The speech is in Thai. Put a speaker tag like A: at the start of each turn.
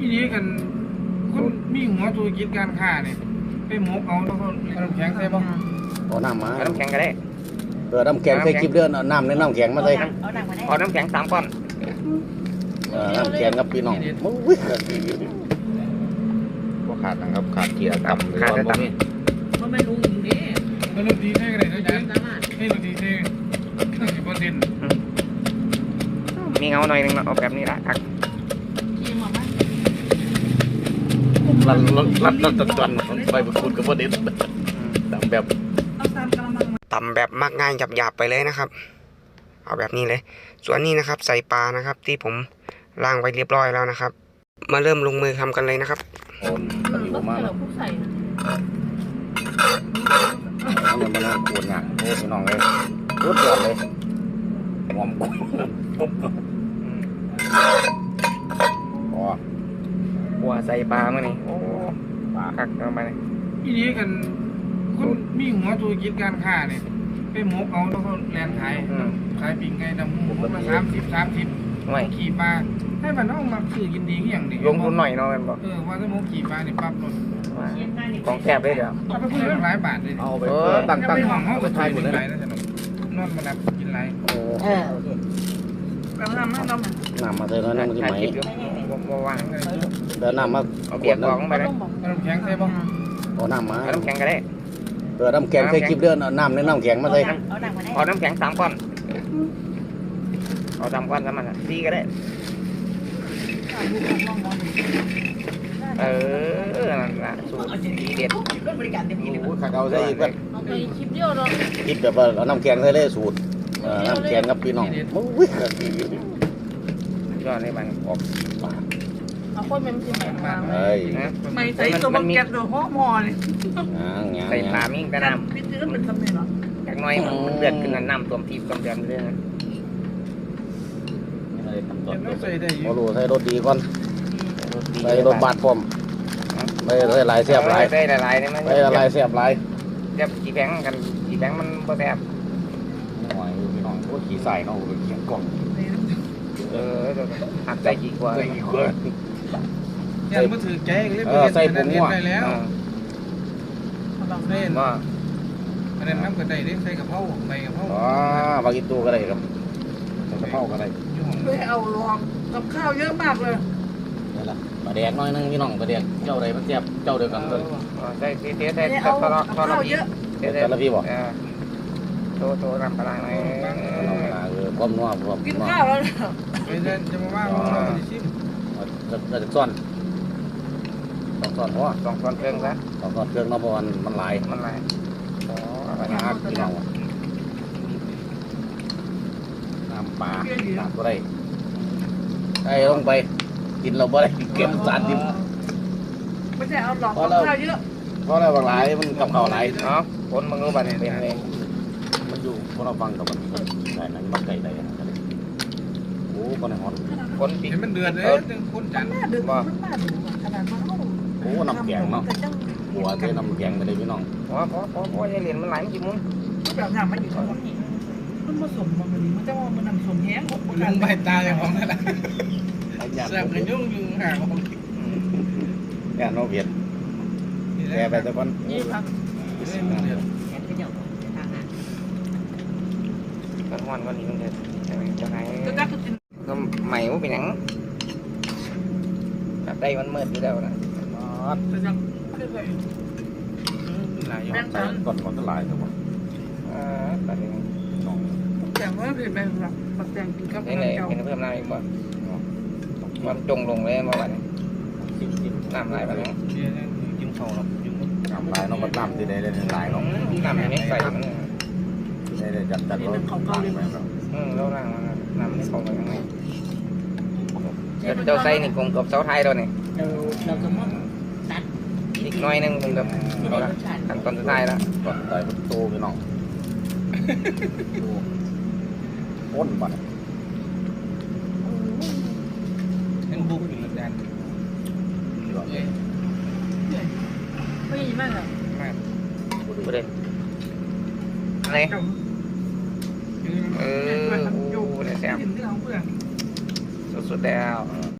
A: พี่นี้กันคนมีหัวธุรกิจการค้าเนี่ยไปหมกเอาแล้วก็น้ำแข็งใส่บ่
B: เอาน้ำมา
C: เอาน้ำแข็งก็ได้
B: น้ำแข็งใส่คลิปเดือนน้ำในน้ำแข็งมาใส่
C: เอาน้ำแข็ง3 ก้อน
B: น้ำแข็งกับพี่น้องอุ้ย
D: บ่ขาดนะครับขาดเกียร์ต่ำ
C: ขาดแต่ต่ำ
E: มันไม่รู้อย่างนี้
A: แล้วเราดีใช่กันเลยนะจ๊ะให้เราดีใช่90%
C: มีเงาหน่อยนึงเอาแบบนี้ละอัก
D: รัดตันไปพูดกับว่าเด็ด
C: ต่ำแบบมักง่ายหยาบๆไปเลยนะครับเอาแบบนี้เลยส่วนนี้นะครับใส่ปลานะครับที่ผมล้างไว้เรียบร้อยแล้วนะครับมาเริ่มลงมือทำกันเลยนะครับ
B: โอนตะหลิวมากเลยมันมาปวดหนักโอ้พี่น้องเลยรถจอดเลยหอมกุ้ง
C: หัวใส่ปลาเมื่อนี้โอ้กักลงไปเลย
A: พี่นี้กันคนมีหัวธุรกิจการค้าเนี่ยไปหมกเอาแล้วก็แลนขายปิ้งไก่ดำหมูละ30ขี่ปลาให้มันเอามาซื้อกินดีอย่างนี้
C: ลงทุนหน่อยเนาะมันบอก
A: ว่าถ้าหมกขี่ปลาเนี่ยปั๊บรถ
C: ของแคบเลยเดี๋ยว
A: เอาไปพูดหลายบาทเลย
B: เอาไปตั้ง
A: เอาไปทายหมดเลยนอนมาดับกินไร
B: น้ำมาเติมน้ำมันจะไหม
C: ว่าง
B: เดินน้ำมา
C: เบียดของไปเลย
A: น้ำแข็งใช่ป่ะ
B: เอาน้ำมา
C: น้ำแข็งก็ได้
B: น้ำแข็งใส่คลิปเดือนน้ำในน้ำแข็งมาใส่
C: เอาน้ำแข็ง3 ก้อนเอา3 ก้อนแล้วมันดีก็ได้นั่นละสูตรดีเด็ด
B: โอ้ขัดเอาใส่อีกแบบ
E: คลิปเดียวเนาะ
B: คลิปแบบว่าเอาน้ำแข็งใส่เลยสูตรน้ำแข็งกับพี่น้องอุ้ย
C: ยอดเลยมันออก
E: เอาคนมันจะแบบมา
B: ไม่
E: ใส่ตัวมันแก๊สโดยห่อหม้อเลย
C: ใส่ปลามิ่งกระน้
E: ำพี่ซื้อเป็นสำเร็จเหรอ
C: จากน้อยมันเดือดขึ้นน้ำตัวทีตัวเดือดเลยนะ
B: โอ้โหใส่รถดีก่อนใส่รถบาดพร้อมใส่ลายเสียบลาย
C: ใส่ลายนี่มัน
B: ใส่ลายเสียบลาย
C: เสียบกี่แบงกันกี่แบงมันบ่แซ่บ
B: หน่อยพี่น้องโอ้ขี่ใส่เนาะเขียงกล่อง
C: หักใส่กี่กว่า
A: ยันมาถือแกงเลย
B: ใส่ผมหัว
A: ได้แล้วเส้น
C: ว่า
A: อันนั้นน้ำกระไดได้ใส่กระเพราใบกระเพรา
B: บากิตูก็ได้ครับใส่กระเพราก็ได้
E: เลยเอาลองกับข้าวเยอะมากเลย
B: นี่แหละปลาแดกน้อยนึงพี่น้องปลาแดกเจ้าใดมันแซ่บเจ้าเดียวกันเลย
C: ใส่เทใส่
E: เอาข้าวเยอะ
B: แต่ละพี่บอก
C: โตรำปลาไหม
B: ความนัวความ
E: กินข้าวแล้ว
A: จะมาว่าเราจะชิม
B: จะซ่อนต้องซ่อนหัว
C: 2 ช้อนเครื่องซะ
B: ต้องซ่อนเครื่องเนาะเพราะมันหลาย
C: อ๋อ
B: อะไรนะพี่น้องน้ำปลาน้ำก็ได้ได้ลงไปกินเราบ่ได้เก็บสารดิบ
E: ไม่ใช่เอาหลอกข้าวเยอะ
B: เพราะอะไรบางหลายมันกับเขาหลาย
C: เนาะคนมึงรู้บ้านเป็นไง
B: มันอยู่พวกเราฟังกับมันใช่นั้นมันไก่ได้โอ้คนในหอน
A: คนปีมันเดือดเลยคนจัน
E: มาดึกมันมาดึกขนาดมา
B: โอ้น้ำแกงเนาะหัวได้น้ำแกงไปเลยพี่น้อง
C: พอจะเรียนมันหลายกี่มุ้ง
E: แบบน้ำมันอยู่ตรงนี้มันผสมมันมันจะว่ามันน้ำสมแห้ง
A: ลุงใบตาอย่างของนั่นแหละแซ่บกันยุ่งห่างของ
B: แกนโนเวียดแกไปแต่คน
E: นี่ครับ
C: ก็งอนวันนี้มันจะไงก็ใหม่ว่าเป็นหนังแบบได้มันมืดอยู่แล้วนะ
B: หลายอย่างก่อนมันก็หลายครับผม
C: ตัดเอง
E: แต่ว่าคือแบบปักแตงกินกับ
C: นี่เลยกินเพิ่มน้ำอีกบ่มันจงลงเลยเมื่อวานน้ำลายไปแล้ว
A: กินข้าวหรอก
B: น้ำลายน้องมันน้ำที่ได้ได้หลายน้อง
C: น้ำไม่ใส่มัน
B: ได้จัดรถ
C: แล้วร่างมันน้ำไม่เข้าไปข้างในเจ้าไส้นี่คงกับเสาไทยเราเนี่ย
E: เราก็มั่งตัด
C: อีกน้อยนึงคงกับขั้นตอนสุดท้ายแล้ว
B: ก่อนต่อยมันโตพี่น้องอ้นบัด
A: เป็นบุกอยู่แดน
E: ไม่ดีมากเลย
C: ไม่ได้อะไรโอ้ได้แซ่บสุดๆแล้ว